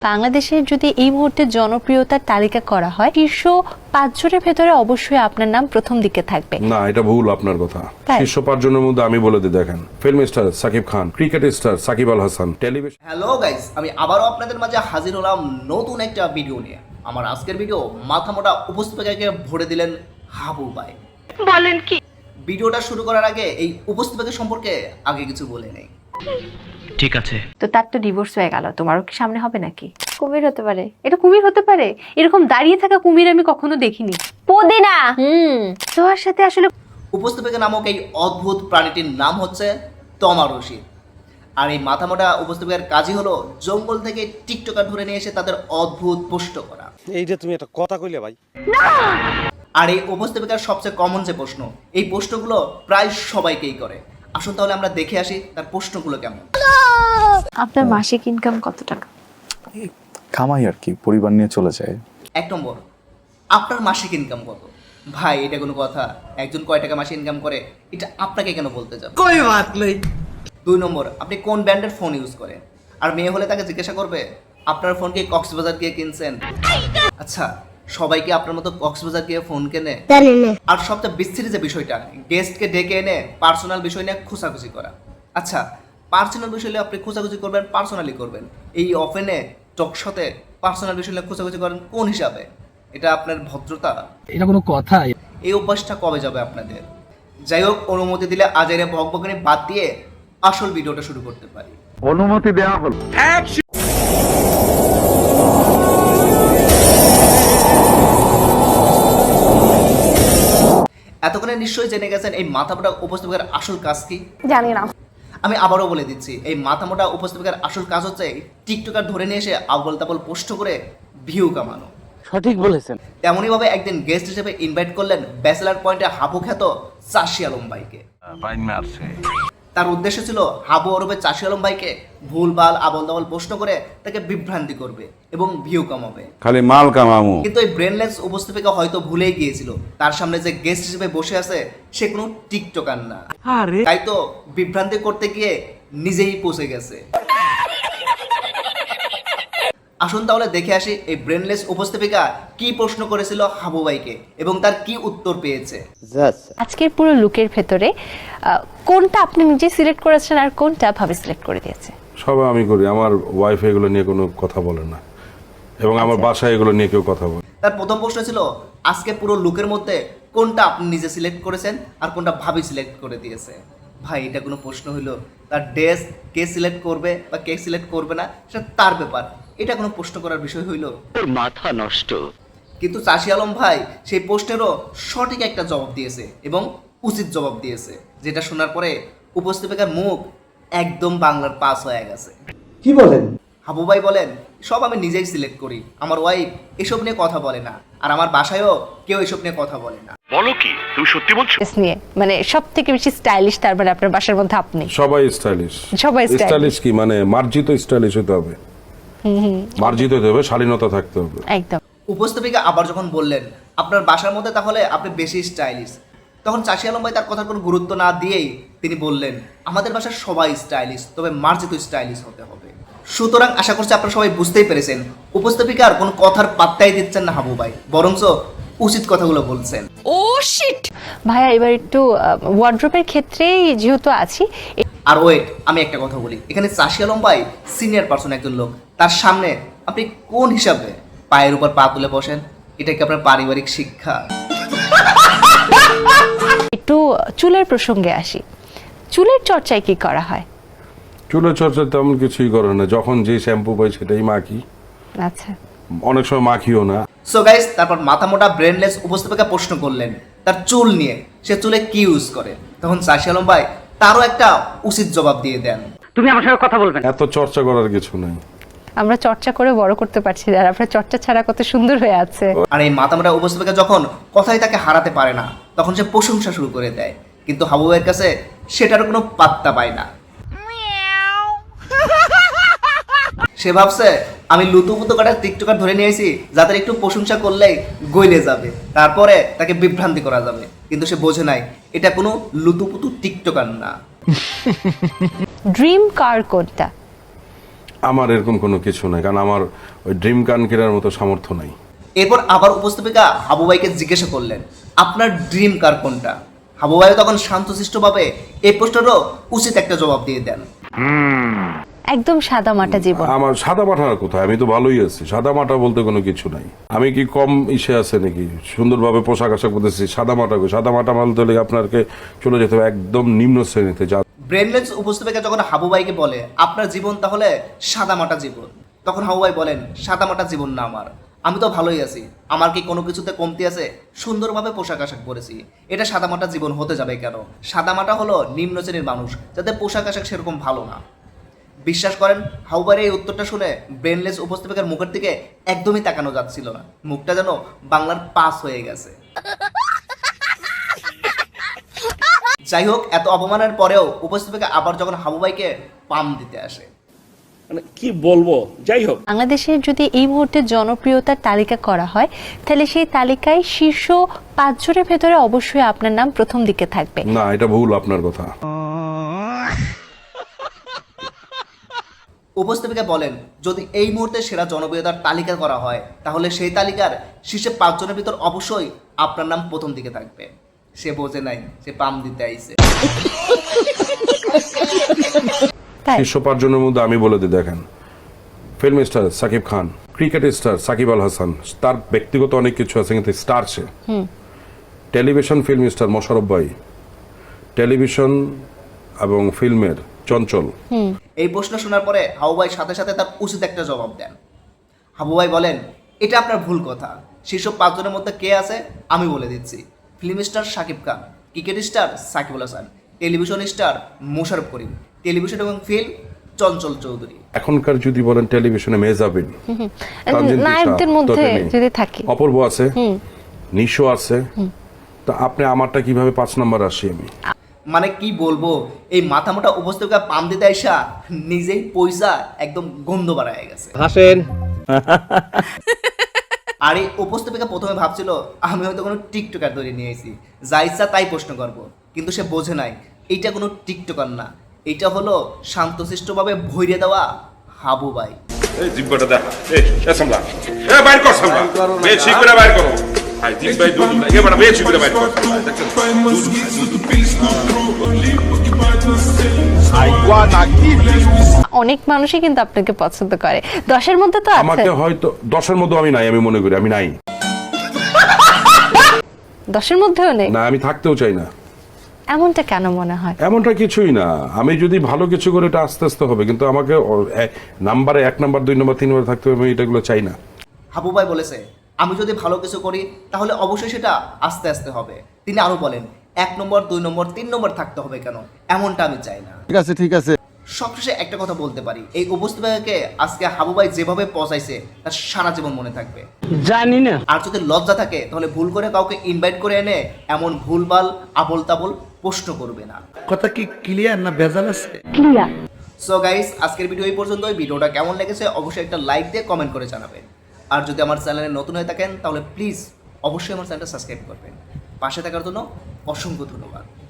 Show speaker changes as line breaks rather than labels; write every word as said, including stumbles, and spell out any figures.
বাংলাদেশের যদি এই মুহূর্তে জনপ্রিয়তার তালিকা করা হয় শীর্ষ পাঁচ জনের ভেতরে অবশ্যই আপনার নাম প্রথম দিকে থাকবে।
না, এটা ভুল আপনার কথা। শীর্ষ পাঁচ জনের মধ্যে আমি বলে দিই, দেখেন, film star Shakib Khan, cricket star Shakib Al Hasan, television.
Hello guys, আমি আবারও আপনাদের মাঝে হাজির হলাম নতুন একটা ভিডিও নিয়ে। আমার আজকের ভিডিও মাথা মোটা উপস্থাপিকাকে ভরে দিলেন হাবু ভাই।
বলেন কি?
ভিডিওটা শুরু করার আগে এই উপস্থাপিকা সম্পর্কে আগে কিছু বলে নেই।
ঠিক আছে।
তো তার তো ডিভোর্স হয়ে গেল, তোমারও কি সামনে হবে নাকি? কুমির হতে পারে, এটা কুমির হতে পারে। এরকম দাঁড়িয়ে থাকা কুমির আমি কখনো দেখিনি। পদিনা হুম তোমার সাথে আসলে
উপস্থাপিকা নামক এই অদ্ভুত প্রাণীটির নাম হচ্ছে তমা রশিদ। আর এই মাথামোটা উপস্থাপিকার কাজই হলো জঙ্গল থেকে টিকটকার ধরে নিয়ে এসে তাদের অদ্ভুত পোস্ট করা।
এই যে তুমি একটা কথা কইলে ভাই।
আর এই উপস্থাপিকার সবচেয়ে কমন যে প্রশ্ন, এই প্রশ্নগুলো প্রায় সবাইকেই করে। আসুন তাহলে আমরা দেখে আসি তার প্রশ্নগুলো কেমন।
আপনার মাসিক ইনকাম কত টাকা?
কামাই আর কি, পরিবার নিয়ে চলে যায়।
এক নম্বর, আপনার মাসিক ইনকাম কত? ভাই, এটা কোনো কথা? একজন কয় টাকা মাসে ইনকাম করে এটা আপনাকে কেন বলতে যাবে?
কোই বাত নেই।
দুই নম্বর, আপনি কোন ব্র্যান্ডের ফোন ইউজ করেন? আর মেয়ে হলে তাকে জিজ্ঞাসা করবে আপনার ফোন কি কক্সবাজার গিয়ে কিনছেন? আচ্ছা, সবাই কি আপনার মতো কক্সবাজার গিয়ে ফোন কেনে? আর সবচেয়ে বিস্তৃত যে বিষয়টা, গেস্টকে ডেকে এনে পার্সোনাল বিষয় নিয়ে খোঁচাখুচি করা। আচ্ছা, পার্সোনাল বিষয় নিয়ে আপনি খোঁচাখুচি করবেন, পার্সোনালি করবেন, এই অফেনে টকশোতে পার্সোনাল বিষয় নিয়ে খোঁচাখুচি করেন কোন হিসাবে? এটা আপনার ভদ্রতা?
এটা কোনো কথা?
এই অভ্যাসটা কবে যাবে আপনাদের? যাই হোক, অনুমতি দিলে আজাইরে ভগভগনি বাদ দিয়ে আসল ভিডিওটা শুরু করতে পারি।
অনুমতি দেওয়া হলো।
এতক্ষণে নিশ্চয়ই জেনে গেছেন এই মাথামোটা উপস্থাপিকার আসল কাজ কি?
জানি না।
আমি আবারও বলে দিচ্ছি, এই মাথামোটা উপস্থাপিকার আসল কাজ হচ্ছে টিকটকার ধরে নিয়ে এসে আবল তাবল পোস্ট করে ভিউ কামানো।
সঠিক বলেছেন।
তেমনই ভাবে একদিন গেস্ট হিসেবে ইনভাইট করলেন ব্যাচেলার পয়েন্টে হাবু খ্যাত চাষি আলম ভাইকে। তার উদ্দেশ্য ছিল হাবু ওরফে চাষি আলম ভাইকে ভুলভাল আবল তাবল প্রশ্ন করে তাকে বিভ্রান্তি করবে এবং ভিউ কামাবে।
খালি মাল কামামু।
কিন্তু এই ব্রেনলেস উপস্থাপিকা হয়তো ভুলেই গিয়েছিল তার সামনে যে গেস্ট হিসেবে বসে আছে সে কোনো টিকটকার না। তাই তো বিভ্রান্তি করতে গিয়ে নিজেই পৌঁছে গেছে। আসুন তাহলে দেখে আসি এই ব্রেনলেস উপস্থাপিকা কি প্রশ্ন করেছিল হাবু ভাইকে এবং তার কি উত্তর পেয়েছে।
আজকের পুরো লুকের ভেতরে কোনটা আপনি নিজে সিলেক্ট করেছেন আর কোনটা ভাবে সিলেক্ট করে দিয়েছে?
সব আমি করি, আমার ওয়াইফ এগুলো নিয়ে কোনো কথা বলে না এবং আমার বাসায় এগুলো নিয়ে কেউ কথা বলে।
তার প্রথম প্রশ্ন ছিল আজকে পুরো লুকের মধ্যে কোনটা আপনি নিজে সিলেক্ট করেছেন আর কোনটা ভাবি সিলেক্ট করে দিয়েছে। ভাই, এটা কোনো প্রশ্ন হইলো? তার ড্রেস কে সিলেক্ট করবে বা কে সিলেক্ট করবে না সেটা তার ব্যাপার, এটা কোনো প্রশ্ন করার বিষয় হইল?
তোর মাথা নষ্ট।
কিন্তু চাষি আলম ভাই সেই প্রশ্নেরও সঠিক একটা জবাব দিয়েছে এবং উচিত জবাব দিয়েছে, যেটা শোনার পরে উপস্থাপিকার মুখ একদম বাংলার পাস হয়ে গেছে।
কি বলেন?
হাবু ভাই বলেন, সব আমি নিজেই সিলেক্ট করি, আমার ওয়াইফ এসব নিয়ে কথা বলে না, আর আমার বাসায়ও কেউ এসব নিয়ে কথা বলে না।
বলো কি? তুমি সত্যি বলছো?
ড্রেস নিয়ে মানে সব থেকে বেশি স্টাইলিশ তার মানে আপনার বাসার মধ্যে আপনি।
সবাই স্টাইলিশ।
সবাই stylish।
স্টাইলিশ কি মানে মার্জিত স্টাইলিশ হতে হবে, মার্জিত হতে হবে, শালীনতা থাকতে হবে।
একদম।
উপস্থাপিকা আবার যখন বললেন আপনার বাসার মধ্যে তাহলে আপনি বেশি স্টাইলিশ, তখন চাষি আলম ভাই তার কথার কোনো গুরুত্ব না দিয়েই তিনি বললেন আমাদের বাসার সবাই স্টাইলিশ, তবে মার্জিত স্টাইলিশ হতে হবে। সুতরাং আশা করছি আপনারা সবাই বুঝতেই পেরেছেন উপস্থাপিকার কোনো কথার পাত্তাই দিচ্ছেন না হাবু ভাই, বরঞ্চ উচিত কথাগুলো বলছেন।
ও শিট ভাইয়া, এবার একটু ওয়ার্ড্রোবের ক্ষেত্রেই যেহেতু আছি।
আর ওয়েট, আমি একটা কথা বলি, এখানে চাষি আলম ভাই সিনিয়র পার্সন একজন লোক, তার সামনে আপনি কোন হিসাবে পায়ের উপর পা তুলে বসেন? এটা কি আপনার পারিবারিক শিক্ষা?
একটু চুলের প্রসঙ্গে আসি, চুলের চর্চায় কি করা হয়?
চুলের চর্চা তেমন কিছুই করে না, যখন যে শ্যাম্পু পাই সেটাই মাখি,
আচ্ছা
অনেক সময় মাখিও না।
সো গাইস, তারপর মাথা মোটা ব্রেনলেস উপস্থাপিকা প্রশ্ন করলেন তার চুল নিয়ে, সে চুলে কি ইউজ করে। তখন চাষি আলম ভাই তারও একটা উচিত জবাব দিয়ে দেন।
তুমি আমার সঙ্গে কথা বলবে না।
এত চর্চা করার কিছু নাই,
আমরা চর্চা করে বড় করতে পারছি না, আর আপনার চর্চা ছাড়া কত সুন্দর হয়ে আছে।
আর এই মাথা মোটা উপস্থাপিকা যখন কথাই তাকে হারাতে পারে না তখন সে প্রশংসা শুরু করে দেয়, কিন্তু হাবু ভাইয়ের কাছে সেটার কোনো পাত্তা পায় না। সে ভাবছে আমি লুতুপুতু কাটার টিকটকার ধরে নিয়েছি যাদের একটু প্রশংসা করলেই গইলে যাবে, তারপরে তাকে বিভ্রান্তি করা যাবে, কিন্তু সে বোঝে নাই এটা কোনো লুতুপুতু টিকটকার না।
ড্রিম কার কোনটা?
আমার এরকম কোনো কিছু নাই, কারণ আমার ওই ড্রিম কান কেনার মতো সামর্থ্য নাই।
এরপর আবার উপস্থাপিকা হাবু ভাইকে জিজ্ঞাসা করলেন, আপনার ড্রিম কার কোনটা? হাবু ভাই তখন শান্তশিষ্টভাবে এই প্রশ্নেরও উচিত একটা জবাব দিয়ে দেন।
একদম সাদা মাটা জীবন।
আমার সাদা মাটার কোথায়, আমি তো ভালোই আছি, সাদা মাটা বলতে কোনো কিছু নাই। আমি কি কম ইসে আছে নাকি? সুন্দরভাবে পোশাক আশাক করতেছি, সাদা মাটা কই? সাদা মাটা বলতে হলে আপনাকে চলে যেতে হবে একদম নিম্ন শ্রেণীতে। যা
ব্রেনলেস উপস্থাপিকা যখন হাবু ভাইকে বলে আপনার জীবন তাহলে সাদামাটা জীবন, তখন হাবু ভাই বলেন সাদামাটা জীবন না আমার, আমি তো ভালোই আছি, আমার কি কোনো কিছুতে কমতি আছে? সুন্দরভাবে পোশাক আশাক পরেছি, এটা সাদামাটা জীবন হতে যাবে কেন? সাদামাটা হলো নিম্ন শ্রেণীর মানুষ যাদের পোশাক আশাক সেরকম ভালো না। বিশ্বাস করেন, হাবু ভাইয়ের এই উত্তরটা শুনে ব্রেনলেস উপস্থাপিকার মুখের দিকে একদমই তাকানো যাচ্ছিল না, মুখটা যেন বাংলার পাস হয়ে গেছে। যাই হোক, এত অপমানের পরেও উপস্থাপিকা আবার যখন হাবু ভাইকে পাম দিতে আসে,
মানে কি বলবো, যাই হোক,
বাংলাদেশের যদি এই মুহূর্তে জনপ্রিয়তার তালিকা করা হয় তাহলে সেই তালিকায় শীর্ষ পাঁচজনের ভেতরে অবশ্যই আপনার নাম প্রথম দিকে থাকবে।
না, এটা ভুল আপনার কথা।
উপস্থাপিকা বলেন যদি এই মুহূর্তে সেরা জনপ্রিয়তার তালিকা করা হয় তাহলে সেই তালিকার শীর্ষে পাঁচজনের ভিতর অবশ্যই আপনার নাম প্রথম দিকে থাকবে। সে বোঝে নাই, সে পাম দিতে আইছে।
তাই
শীর্ষ পাঁচজনের মধ্যে আমি বলে দিই, দেখেন, film star Shakib Khan, cricket star Shakib Al Hasan, তার ব্যক্তিগত অনেক কিছু আছে কিন্তু স্টার সে। টেলিভিশন ফিল্ম স্টার মোশাররফ ভাই, টেলিভিশন এবং ফিল্মের চঞ্চল।
এই প্রশ্ন শোনার পরে হাবু ভাই সাথে সাথে তার উচিত একটা জবাব দেন। হাবু ভাই বলেন এটা আপনার ভুল কথা, শীর্ষ পাঁচজনের মধ্যে কে আছে আমি বলে দিচ্ছি। Film star Shakib Khan, cricket star Shakib Al Hasan, television star Mosharraf Karim, television এবং ফিল্ম চঞ্চল চৌধুরী।
এখনকার যদি বলেন টেলিভিশনে মেহজাবিন,
নায়কদের মধ্যে যদি থাকে
অপূর্ব আছে, নিশো আছে, তা আপনি আমারটা কিভাবে পাঁচ নাম্বার আসি আমি?
মানে কি বলবো, এই মাথা মোটা উপস্থাপিকা পাম দিতে আইসা নিজেই পয়সা একদম গন্ধ বাড়ায় গেছে।
হাসেন।
আর এই উপস্থাপিকা প্রথমে ভাবছিল আমি হয়তো কোনো টিকটকার ধরে নিয়ে এসেছি, যা ইচ্ছা তাই প্রশ্ন করব, কিন্তু সে বোঝে নাই এইটা কোনো টিকটকার না, এইটা হলো শান্তশিষ্টভাবে ভইরে দেওয়া হাবু ভাই।
এই জিব্বাটা দেখা, এই এ সামলা, এ বাইর কর সামলা, বেশি করে বাইর করো। আই দিন ভাই দুধ লাগে, এবার বেশি করে বাইর কর।
অনেক মানুষই কিন্তু আপনাকে পছন্দ করে, দশের মধ্যে তো আছে।
আমাকে হয়তো দশের মধ্যে আমি নাই, আমি মনে করি আমি নাই,
দশের মধ্যেও নেই
না আমি থাকতেও চাই না।
এমনটা কেন মনে হয়?
এমনটা কিছুই না, আমি যদি ভালো কিছু করে এটা আস্তে আস্তে হবে, কিন্তু আমাকে নাম্বারে এক নাম্বার দুই নাম্বার তিন নাম্বার থাকতে হবে, আমি এটাগুলো চাই না।
হাবু ভাই বলেছে আমি যদি ভালো কিছু করি তাহলে অবশ্যই সেটা আস্তে আস্তে হবে। তিনি আরো বলেন এক নম্বর দুই নম্বর তিন নম্বর থাকতে হবে কেন, এমনটা আমি চাই না।
ঠিক আছে ঠিক আছে
সবশেষে একটা কথা বলতে পারি, এই উপস্থাপিকাকে আজকে হাবু ভাই যেভাবে পৌঁছাইছে তার সারা জীবন মনে থাকবে।
জানি না।
আর যদি লজ্জা থাকে তাহলে ভুল করে কাউকে ইনভাইট করে এনে এমন ভুলভাল আবল তাবল প্রশ্ন করবে না।
কথা কি ক্লিয়ার না ভেজাল আছে?
সো গাইস, আজকের ভিডিও এই পর্যন্ত। ভিডিওটা কেমন লেগেছে অবশ্যই একটা লাইক দিয়ে কমেন্ট করে জানাবেন। আর যদি আমার চ্যানেলে নতুন হয়ে থাকেন তাহলে প্লিজ অবশ্যই আমার চ্যানেলটা সাবস্ক্রাইব করবেন। পাশে থাকার জন্য অসংখ্য ধন্যবাদ।